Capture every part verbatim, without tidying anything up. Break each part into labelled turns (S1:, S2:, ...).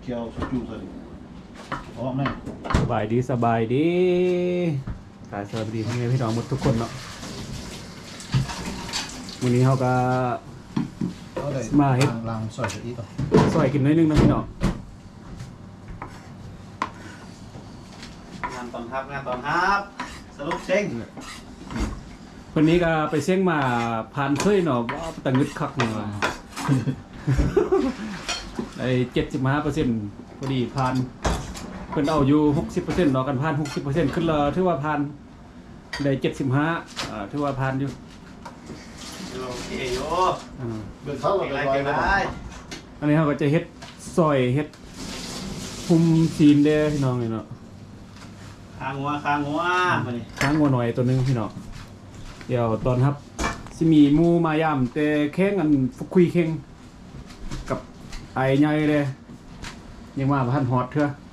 S1: เคี่ยวสุจูใส่พร้อมแน่
S2: สบายดีสบายดีกายสวัสดีพี่พี่น้องหมดทุกคนเนาะวันนี้เขาก็มาเฮ็ด
S1: ล้างซอยอีกต่อ
S2: ซอยกินน้อยนึงนะพี่น้อง
S3: งานตอนทับงานตอนทับสรุปเช็ง
S2: วันนี้ก็ไปเสี่ยงมาผ่านเคยเนาะว่าแต่งึดคักเนาะไอ้เจ็ดสิบห้าเปอร์เซ็นต์พอดีผ่านเพิ่นเอาอยู่หกสิบเปอร์เซ็นต์เนาะกันผ่านหกสิบเปอร์เซ็นต์ขึ้นเลยถือว่าผ่านได้เจ็ดสิบห้าอ่าถือว่าผ่านอยู่
S3: โอเคโย่
S2: อ่า
S1: เบิกเข้า
S3: เก่ง
S1: ไป
S3: ไร
S1: ไว้
S3: เก่ง
S1: ได้
S3: ไร
S2: อันนี้เขาก็จะเฮ็ดซอยเฮ็ดคุมซีนเด้อพี่น้องนี่เนาะ
S3: คางหัวคางหัวมาดิ
S2: ค้างงัวหน่อยตัวหนึงพี่น้องเดี๋ยวตอนครับสิมีหมูมายามแต่แข่งกันฟุกคุยแข่งกับไอ้ใหญ่เลยยังมาพันฮอตเถอะ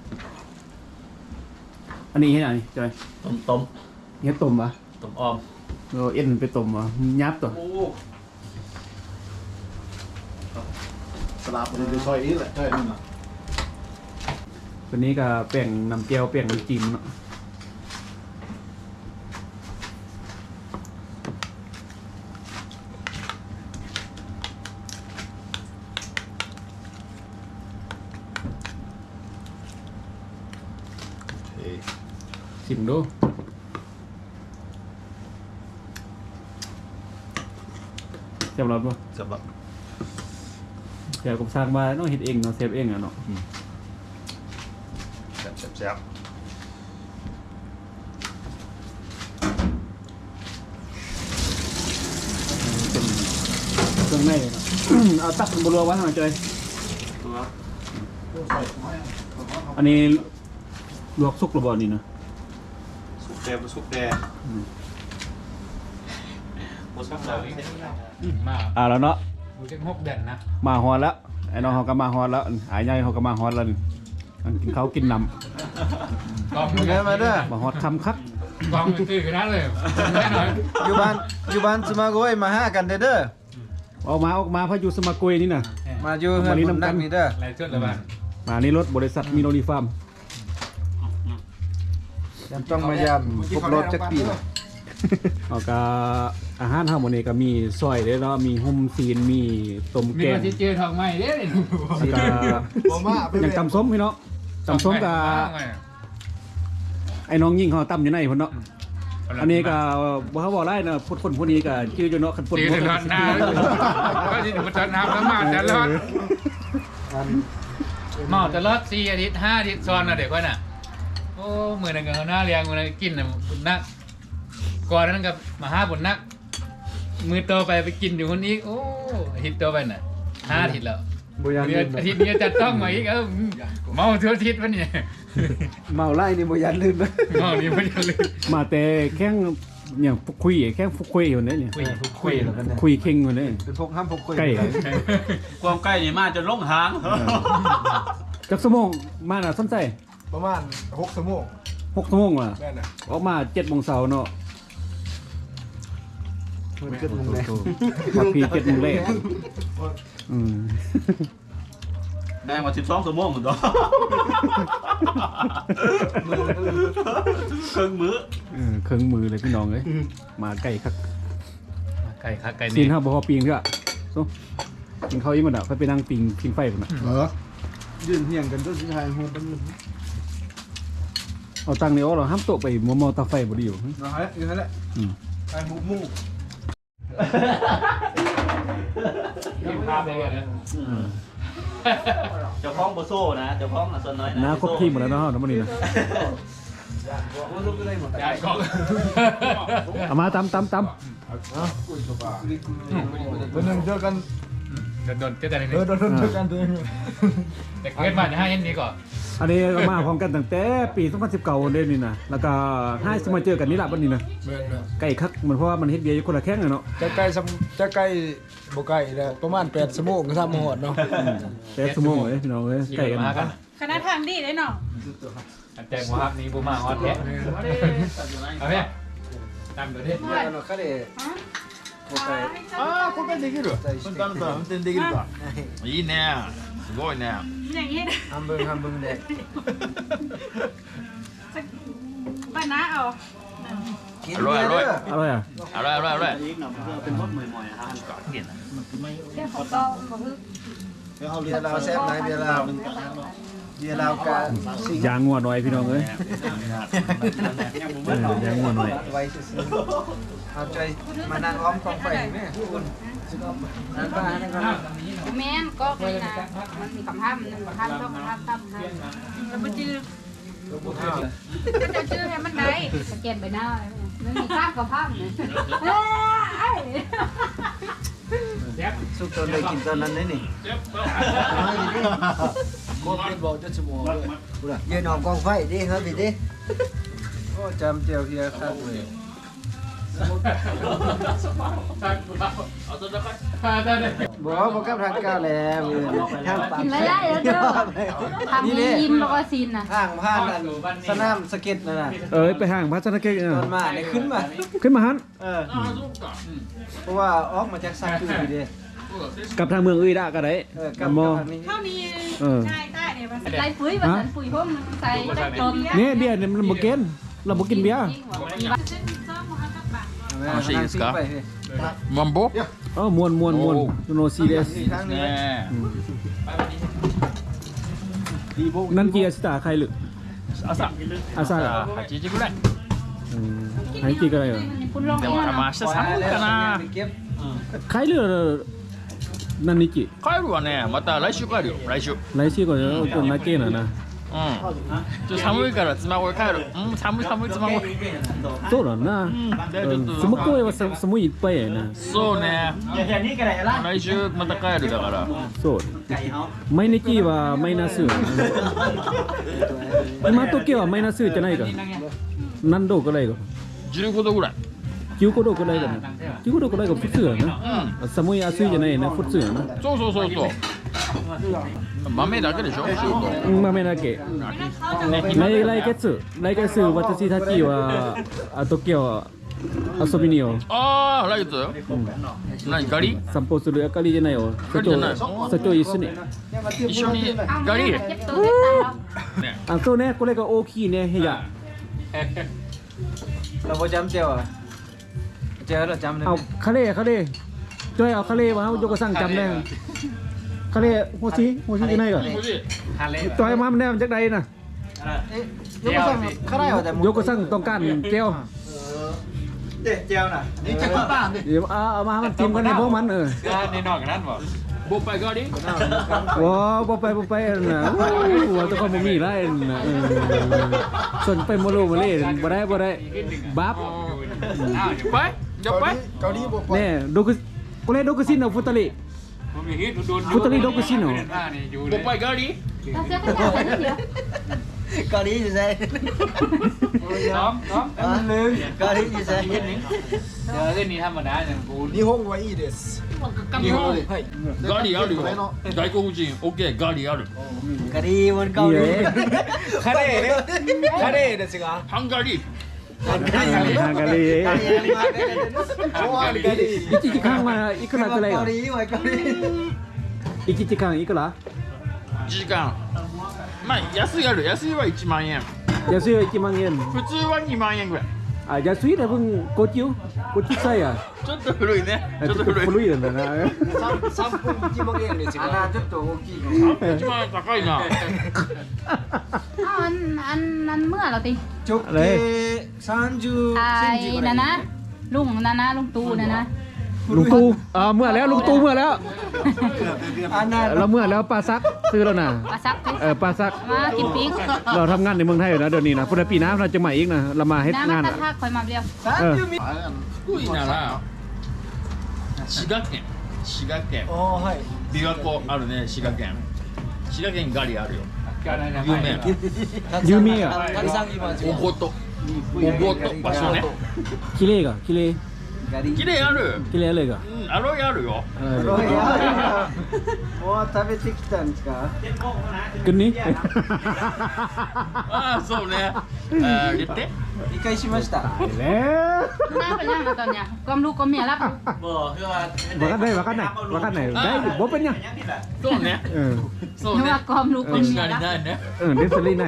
S2: อันนี้เฮ็ดอันนี้จอย
S3: ต้มต้ม
S2: เฮ็ดต้มปะ
S3: ต้มออม
S2: เราเอ็นไปต้มวะยับตัว
S3: โอ้
S1: สลับมันจะซอยอีกแหละใช่นั่นน่ะ
S2: ตัวนี้ก็แป้งน้ำเจียวแป้งน้ำจิ้มเนาะ
S1: เฮ้ย
S2: ชิมดูเจ็บร้อนปะ
S1: จับแบบ
S2: เดี๋ยวผมสร้างมาต้องเฮ็ดเองเนาะเซฟเองอะเนาะ
S1: แซ่บแซ่บแซ่บ
S2: เป็นเครื่องในเนาะ เอาตักบนรัวไว้หน่อยจอย
S3: ตัว
S1: ใส่ไม้
S2: อันนี้ลวกสุกหรือบ่นี่นะ
S3: สุกแดงสุกแดงโอ้สุกแดง
S4: มา
S2: อ่าแล้วเนาะ
S4: ดูเจ็ดหกเด่นนะ
S2: มาฮอดแล้วไอ้น้องเขาก็มาฮอดแล้วไอ้ใหญ่เขาก็มาฮอดแล้วนี่อันกินเขาวกินน้
S4: กองมือมาเด้อ
S2: ำมาฮอดคำคัก
S4: กองมือตื้อขนาดเลยแน่นอน
S5: อยู่บ้านอยู่บ้านสมาโกยมาหากันเด้อเด้อ
S2: ออกมาออกมาพายุสมากุยนี่นะ
S5: มาอยู่เฮือนผมนักนี่เด้อ
S4: อะไรชุดละบ้าน
S2: มานี่รถบริษัทมิโนรีฟาร์ม
S5: ยามต้องมายามครบรอบจักปีละ
S2: เอาก็อาหารเฮาหมดนี้ก็มีซอยเด้อเนาะมีหุ่มซีนมีต้ม
S4: มี
S2: แกง
S4: มาที่เจอทองไม้เด้อ
S2: แล้วก็อย่างตำส้มพี่เนาะตำส้มกับไอ้น้องยิ่งเขาตำอยู่ในพุ่นเนาะอันนี้ก็บ่เขาบอกได้เนาะพูดคนผู้นี้ก็ชื่ออยู่เนาะคันพูด
S4: จี
S2: บ่
S4: นร้อนหน้าก็ที่ถูกจัดน้ำแล้วมาจะรอดเมาจะรอดสี่อาทิตย์ห้าอาทิตย์ซ้อนนะเด็กว่าน่ะโอ้มือนั่นก็เขาหน้าเลี้ยงมือนั่นกินน่ะบุญนักก่อนนั้นกับมาห้าบุญนักมือโตไปไปกินอยู่คนนี้โอ้อาทิตย์โตไปน่ะห้าอาทิตย์แล้ว
S5: บ่อยากลืม
S4: อาทิตย์นี้จัดต้องมาอีกเออเมาทุกอาทิตย์วะเนี่ย
S5: เมาไล่นี่บ่อยากลืมนะ
S4: เมานี่ไม่ได้เลย
S2: มาแต่แข้งอย่างฟุกคุยแข้งฟุกคุยอยู่เนี่ยเนี่ย
S4: คุย
S5: คุยแล้วกันเนี่ย
S2: คุยเข่งอยู่เนี่ย
S5: เป็นพวกห้ามพวกคุย
S2: ใกล้
S3: ความใกล้นี่มาจนล่งหาง
S2: จักสมงมาน่ะสนใจ
S5: ประมาณหกชั่วโมง
S2: หกสมงว่ะ
S5: แม่น่ะ
S2: ออกมาเจ็ดโมงเช้าเนาะ
S5: มันเกิดมุงแน่
S2: พักพีเจ็ดโมงแรกอืม
S3: ได้มาสิบสองชั่วโมงเหมือนกันครึ่งมื้อ
S2: เออเครื่องมือเลยพี่น้องเลยมาใกล้คัก
S4: ไก่ครับไก่
S2: ซี
S4: นี่
S2: นห้าบ่พอปีงเถอะโซ่กินข้าวยิ่งมันอ่ะค่อยไปนั่งปิงพิงไฟมันอ่ะ
S1: เหรอ
S5: ยืนเฮียงกันจนสุดท้ายหัวเป็น
S2: เอาตังค์นี่เอาเราห้ามโตะไปมัวเมาตาไฟบ่ได้อยู่
S5: เนาะฮะอยู่นั่นแหละ
S2: อืม
S5: ไอ้หมูหมู
S4: กินภาพได้เลยนะ
S3: เจ้าของโบโซ่นะเจ้าของอ่ะส่วนน้อย
S2: น้าครบทีมหมดแล้วเนาะน้ำมันนี่นะ
S5: บ่รู้ก็ได้หมด
S4: ยายก็
S2: เอามาตำตำต
S5: เพิ่นนึงเจอกัน
S4: โดนเจ๊แต่ไหน
S5: เออโดนเจอกันตัวเอง
S4: แต่เกิดมาจะให้เห็นนี้ก่อน
S2: ำอันนี้ก็มาพร้อมกันตั้งแต่ปีสองพันสิบเก้าเดือนนี่นะแล้วก็ให้สมาเจอกันนี่ละบัดนี้นะ
S5: แม่น
S2: ใกล้คักมันเพราะว่ามันเฮ็ดเบียร์อยู่คนละแข้งอะเนาะ
S5: ๆจะใกล้ซ้ำจะใกล้บ่ใกล้แล้วประมาณแปดชั่วโมงก็ทำมาฮอดเนาะ
S2: แต่ชั่วโมงเลยพี่น้องเอ้ยใกล้กัน
S4: มากัน
S6: คณะทางดีเลยเนาะ
S4: แจ้งว่านี้บูมาฮอตแท้เอาไหมตามเดี๋ยวนี้
S5: あの彼
S6: ฮะ
S5: もう一回
S3: ああこれできる
S5: 対して
S3: 簡単だ運転できるかいいね
S6: すごいね。
S7: อย่างนี้
S5: ทำเบิ่งทำเบิ่งเด้
S7: ป้าน้าเอา
S5: กินเบียร์เด้อ
S2: อร่อยอ่ะ
S6: あらあらあら。
S3: อีกหน่อยเพื่อเป็นมดใหม่ๆฮะ
S6: いいな。
S7: แค่ของก็บอกคือ
S1: เดี๋ยวเอาเรี
S5: เบี
S1: ย
S5: ย
S1: น
S5: ร์ลาวแซ่บไหนเบียร์ลาวเบียร์ลาวกะสิง
S2: ยางงัวหน่อยพี่น้องเอ้ยเออยางงัวหน่อย
S5: ไว้ซื่อๆเอาใจมานั่งอ้อมกองไฟแม่คุณนั่นป้านั่นก็
S7: แม่นก็เลยนะมันมีคำห้ามหนึ่งคำห้ามต้องคำห้ามตั้มห้ามแล้วมันจื้อก็จะจื้อให้มันได้สแกนไปหน้ามันมีข้ามกับห้ามเนี่ยเอ้ย
S5: สุกตอนได้กินตอนนั้นได้นี่โคตรเป็นบอกจะสมองเลยยืนออกกองไฟดิครับดิดิโอ้จำเจียวเฮียครับเลย บอกบอกกับทางก้าวแล้วทางปาก
S7: กินไม่ได้แล้วเด้อทำให้ยิ้มแล้วก็ซินน่ะ
S5: ทางผ่านสนามสเก็ตนั่นน่ะ
S2: เอ้ยไปห้างพัฒนาเกต
S5: ตอนมาเนี่ยขึ้นมา
S2: ขึ้นมาหัน
S5: เออเพราะว่าออกมาจากซาตูดิ
S2: กลับทางเมืองอื่นได้ก็ได้
S5: เออกับ
S2: มอ
S5: ทางนี้
S7: เท่านี้
S2: เออ
S7: ใช่ใต้เนี่ยมันใส่ปุ๋ยมาสันปุ๋ยพวกนึงใส่ใส่กลม
S2: เนี่ยเบียร์เนี่ยมันบ่กินเราบ่กินเบียร์
S5: ทางซิงไป
S6: マンボ？
S2: เออมวนมวนมวนโนซีเรียส
S5: ทางนี้
S6: ね
S2: นั่นกี่อาสตาใครหรือ
S6: え。朝。
S2: อาซา
S6: 朝はちじぐらい。
S2: อืมใครกี่ก็ได้เหรอ
S7: คุณลอง
S6: でも多分明日寒いかな。
S5: เก็บ
S2: ใครหรือนั่นนี่กี่
S6: 帰るわね。また来週帰るよ。来週。
S2: ไรชื่อก่อนจะตัวนักเก็ตนะนะ
S6: うん。ちょっと寒いから妻恋帰る。うん、寒い寒い妻恋。
S2: โตหรอนะ
S6: うん。でちょっと。
S2: สมมติว่าสมุยไปนะ
S6: そうね。来週また帰るだから。
S2: โสดไม่นิกี่ว่าไม่น่าซื้อไอ้มาโตเกียวไม่น่าซื้อจะไหนกันนั่นโดก็เลยก็
S6: じゅうごどぐらい。
S2: คิวโกโดก็เลยกันคิวโกโดก็เลยกับฟุตเสือนะสมุยอาซุยจะไหนนะฟุตเสือนะ
S6: そうそうそうそう。豆だけでしょ。シュート。
S2: มาไม่น่าเกะในไลเกสึไลเกสึวัตชิทาจิว่าโตเกียวอาโซบินิโอ
S6: ああ、来月。何ガリ？
S2: สัมโปสุรุอาการีจะไหนโอสโจสโจอิสุนิ
S6: 一緒にガリ？
S7: เจ็บตัวเจ็บตายแล้ว
S6: ね。
S2: อ่ะโซเนี่ยก็เลยก็โอคีเนี่ยเฮีย
S5: เราบ่จำเจียวอ่ะเจียวเราจำได้
S2: เอาคาเล่คาเล่จ้อยเอาคาเล่มาเอายกกระสั่งจำได้คาเล่โฮชิโฮชิจะไหนก่อนจ้อยมามันได้มันจากใดน่ะ
S5: ยกสั่งข้าได้แต่
S2: ยกกระสั่งต้องการแก้ว
S5: เด็ดเจียวน่ะ
S1: นี่จะมาบ้านดิ
S2: เดี๋ยวเอาเอามามันจิ้มกันในพวกมันเออ
S4: นี่นอกกันนั่นบ่
S6: ボッパイガリ？
S2: ว้าบ่ไปบ่ไปนะหัวตะคนบ่มีไรนะเออส่วนไปโมโลมาเล่บ่ได้บ่ได้บับ
S6: あ、いっぱい？じゃっぱい？
S5: เกาหลีบ่ไป
S2: แน่โดกุกูเล่โดกุซินเอาฟุตาลิ
S4: ผมมีฮิตโดน
S2: ฟุตาลิโดกุซินเอา
S4: นี่อยู่
S6: ボッパイガリ？
S7: เราเสื้อผ้าใส่นิดเดียว
S5: เกาหลีอยู่ไส
S4: น้องน้อง
S5: เกาหลีอยู่ไส
S4: เดี๋ยวเรื่องนี้ธรรมดาอย่างกู
S5: 日本はいいです
S6: 日本
S5: はい
S6: ガリあるよ。外国人、オッケー、ガリある。
S5: กะหรี่บนเกาหลี
S4: คาเร่เนี่ยคาเร่เนี่ยสิครับ
S6: ハンガリー。
S2: ฮากาลี
S5: กะหรี่มาได้เลย
S6: ハンガリー。
S2: อิจิจิคังมาอีกละก็เลย
S5: เกาหลีไว้เกาหลี
S2: อิจิจิคังอีกละ
S6: 時間。まあ、安いある。安いはいちまん円。
S2: อย่าซื้อจิมังเงิน
S6: 普通はにまん円ぐらい。
S2: อ่ะอย่าซื้อแต่เพิ่งโกจิวโกจิไซอ่ะ
S6: ちょっと古いね。ちょっと古い。
S2: 古いんだな
S5: さんぷんいちまん円ですよあなちょっと大きい
S6: いちまん円高いな。
S7: อ้าวอันอันนั้นเมื่อเราติ
S5: 直径さんじゅっ
S7: ไอ้
S5: センチぐら
S7: นะ
S5: い
S7: นะลุงนะนะลุงตูนะนะ
S2: ลุงตู่อ่าเมื่อแล้วลุงตู่เมื่อแล้ว
S5: อันนั้น
S2: เราเมื่อแล้วปลาซักซื้อแล้วนะ
S7: ปลาซักไป
S2: เออปลาซัก
S7: มากินปิ้ง
S2: เราทำงานในเมืองไทยอยู่นะเดี๋ยวนี้นะพุทธปีหน้าเราจะมาอีกนะเรามาให้
S7: น้ำมั
S2: งาน น
S7: ตะ
S2: อ่ะ
S7: ทากคอยมาเดียว
S2: เออ
S6: 福井なら、滋賀県。滋賀県。
S5: อ๋อはい
S6: 琵琶湖あるね、滋賀県。滋賀県ガリあるよ。
S4: การอะไรนะ
S6: 有名。
S2: ยูมิอ่ะ
S5: たくさん今
S6: おごと。おごと場所ね。
S2: คิเล่กะคิเล่
S5: ガリ
S6: 綺麗ある。
S2: คิเล่เลยกะ
S6: うん、 アロイあるよ
S2: เออ
S5: ロイヤルもう食べてきたんですか
S3: เจ็ดโมงแล้วนะ
S2: กินนี้
S6: ああそうねあー言って
S5: 理解しました
S2: ตายแล้ว
S7: น่าเป็นยังไงตอนเนี้ยความรู้ความเมียรับ
S3: บ่คือว่า
S2: ว่ากันได้ว่ากันไหนว่ากันไหนได้อยู่บ่เป็นหยัง
S3: ยังนี่แหละ
S6: そうね
S2: เออ
S6: そう
S7: นึก
S6: ね
S7: ว่าความรู้ความเมีย
S6: な
S7: รับ
S6: になにね
S2: เออเดฟลี่ไหน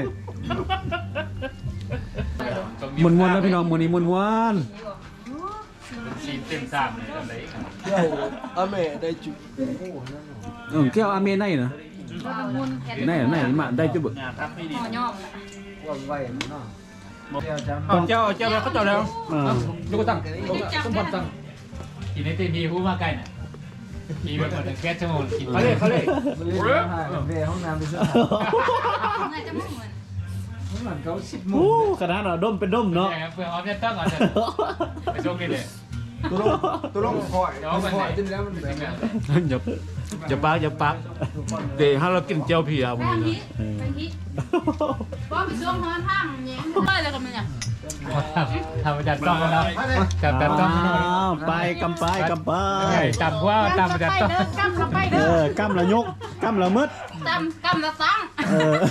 S2: มวนๆแล้วพี่น้องมื้อนี้มวน
S4: ซีนเต็มสามเลยอะไร
S5: 今日雨大丈夫
S2: ๆเออแก้วอาเมนได้นะ
S7: มุนแค่
S2: ไหนไหนมาได้จุบ
S3: งานทับไม่ดี
S7: หอย่อม
S5: ว่างไว้เนาะเดี๋ยวจะ
S6: あじゃあじゃあเขาจอดแล้ว
S2: เออ
S6: どこตั้ง
S7: สมบัติจัง
S4: กินในตีมีผู้มาใกล้น่ะมีแบบมันแค่ชั่วโมงกิน
S6: เขาเลยเขาเลย
S5: เว้ยเว้ยห้องน้ำไปซื้อ
S7: น่าจะมุ่งเหมือน
S5: ข้างหลังเขาสิบโม
S2: โอ้
S5: ง
S2: ขนาดเราดมเป็นดมเนาะ
S4: เพื่อออฟจะต้องก่อนจะไปชกนี่เลย
S5: ตัวลงตัวลงคอยคอยจนแล้วมันแบบ
S6: อย่าอย่าปักอย่าปักเดี๋ยวถ้าเรากินเจียวเพียมึง
S7: แป้ง
S6: นะ
S7: ฮิแป้งฮิป้อไปช่วงฮอนห้างเนี่ยเลยเลยกันมันเนี่ย
S4: ทำจัดต้องแล้วจับจัดต้อง
S2: อ้าวไปกำไปกำไป
S4: จำว่าจำจัดต้อง
S7: กำละไป
S2: เอ
S7: เด้อ
S2: อกำละยกกำละมืด
S7: กำกำละสัง
S2: เออย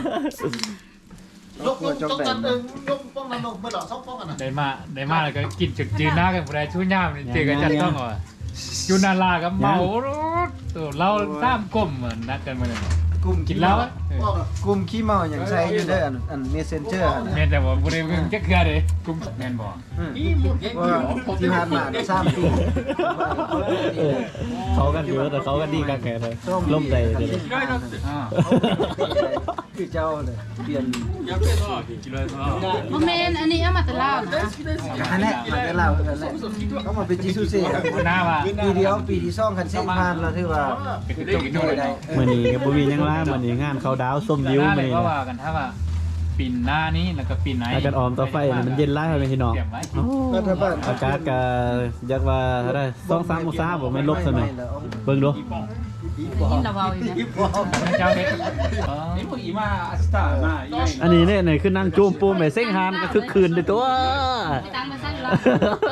S1: กยกจกกันเออยกป้องนั่นลงเมื่อหล่อซอกป้องกันนะ
S4: ได้มาได้มาแล้วก็กินจุดจืนหน้ากันผู้ใดชู้ย่ามเจอกันจัดต้องอ่ะยูนาลากับเมารถตัวเราสามกลมเหมือนนัดกันมาเลย
S5: กลุ่ม
S4: กินแล้ว
S5: กลุ่มขี้เมาอย่างใช้อยู่เด้ออันอันเมสเซนเจอร์
S4: แม่แต่ว่าผู้ใดมึงจะเคลียร์เลยกุ้งแม่นบอก
S5: ว่าที่ผ่านมาสามปี
S2: เขากันเยอะแต่เขากันดีกันแค่เลยล่มใจเลย
S4: อ่า
S5: คือเจ้าเลยเปลี่ยน
S6: やべえな嫌いだな
S7: โมเมนอันนี้เอามาแต่ลาวนะ
S5: อันนี้มันจะเล่ากันแหละเขามาเป็นจิซูเซ่
S4: หน้าว่า
S5: ปีเดียวปีที่สองคันเส้นผ่านเราถือว่า
S4: เป็นจุกจุกเลย
S2: มื่อนี้กับบุวียังว่ามื่อนี้งานเขาดาวส้มยิ้ว
S4: หน้า
S2: มื่
S4: เล
S2: อย นี้
S4: ก็ว่ากันถ้าว่าปิ่นหน้านี้แล้วก็ปิ่นไหน
S2: อากาศออมต่อไฟมันเย็นไล่ไปพี่น้อง
S4: เก็บไว้
S5: รัฐบาล
S2: อากาศก็อยากว่าเท่าไรสองสามองศาผมไม่ลบซะหน่อยเบิ่งดู
S7: ยินระเบาอยู่เนี่ย
S4: เจ้าเด็ก
S6: でも今明日まあいない
S2: อันนี้เนี่ยเนี่ยคือนั่งจูมปูมไปเส้นฮานก็คือคืนในตัว
S7: ตั้งมาสั้นแล้ว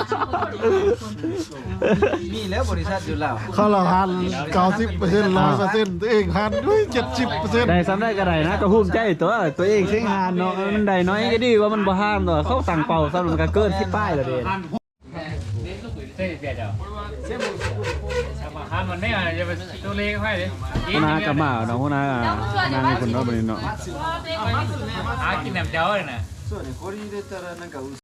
S5: มีแล้วบริษัทอยู่แล้ว
S1: เขาเราหันเก้าสิบเปอร์เซ็นต์ร้อยเปอร์เซ็นต์ตัวเองหันด้วยเจ็ดสิบเปอร์เซ็นต์
S2: ได้ซ้ำได้ก็ได้นะก็ภูมิใจตัวตัวเองเส้นฮานเนาะมันได้น้อยก็ดีว่ามันบ่ห้ามเนาะเขาตั้งเป่าซ้ำมันก็เกินที่ป้ายแล้วเด้
S4: เต้เบียดเจ้าห้ามมันไม่อ่ะจะไปตัวเล็กให้เลย
S2: หัวหน้ากับมาเนาะหัวหน้านางให้คนเนาะบัดนี้เนาะ
S4: หากินแหนมเจ้าเลยนะ
S5: そうねこれ入れたらなんか